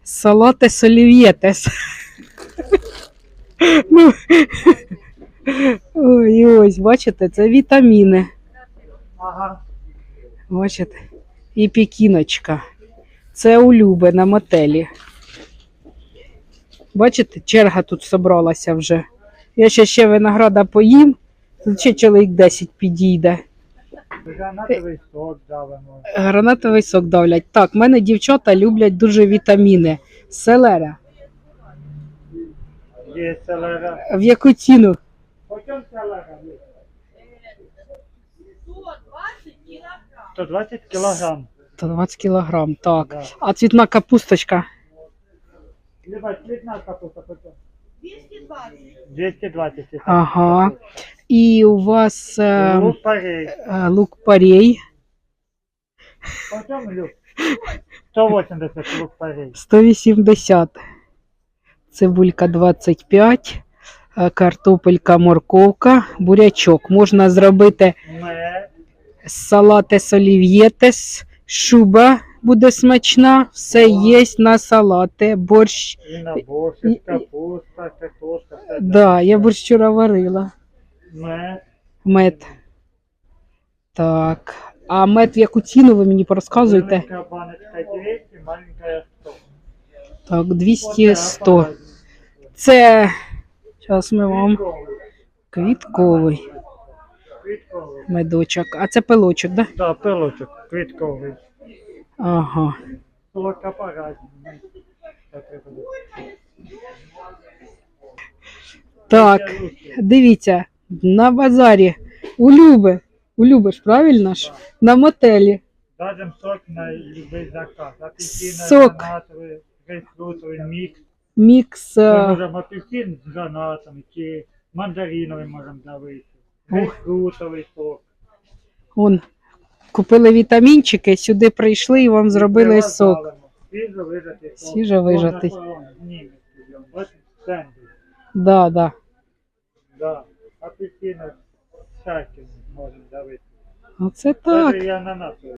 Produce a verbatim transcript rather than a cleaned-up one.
Салатес олів'єтес. Ну, ой, ось, бачите, це вітаміни. Ага. Бачите? І пекіночка. Це улюбе на мотелі. Бачите, черга тут зібралася вже. Я ще ще винограда поїм, тут ще чоловік десять підійде. Гранатовий сок давимо. Гранатовий сок давлять. Так, в мене дівчата люблять дуже вітаміни. Селера. Є селера. В яку ціну? По чому селера? сто двадцять кілограм. сто двадцять кілограм, так. Да. А цвітна капусточка? Люба, цвітна капуста по чому? двісті двадцять. Ага. І у вас е, Лук парей. е, лук-порей По чому люк? сто вісімдесят лук парей. сто вісімдесят. Цибулька двадцять п'ять. е, Картопелька, морковка, бурячок. Можна зробити Мед. салатес олів'єтес, шуба буде смачна, все є на салати, борщ. І на борщ, І- і- капуста, картошка. все Да, я так. борщ вчора варила. Мед. Мед. Так. А мед в яку ціну ви мені порозказуєте? Велика баночка двісті, маленька сто. Так, двісті сто. Це, зараз ми вам, квітковий Квітковий. медочок. А це пилочок, да? Да, пилочок, квітковий. Ага. Солодка парадна. Так, дивіться, на базарі. Улюби. Улюбиш, правильно ж? На мотелі. Дадим сок на любий заказ. Апельсин, Сок. гранатовий, грейпфрутовий мікс. Мікс. Ми е, можемо апельсин з гранатами, чи мандариновий можемо давити. Грейпфрутовий сок. Вон, купили вітамінчики, сюди прийшли і вам зробили сок. Свіжо вижатий сок. Свіжо вижатий. Можна знімати. Бачите, стенди. Да, да. Да. Апельсини всякі можемо давити. Оце так. Навіть і ананасовий.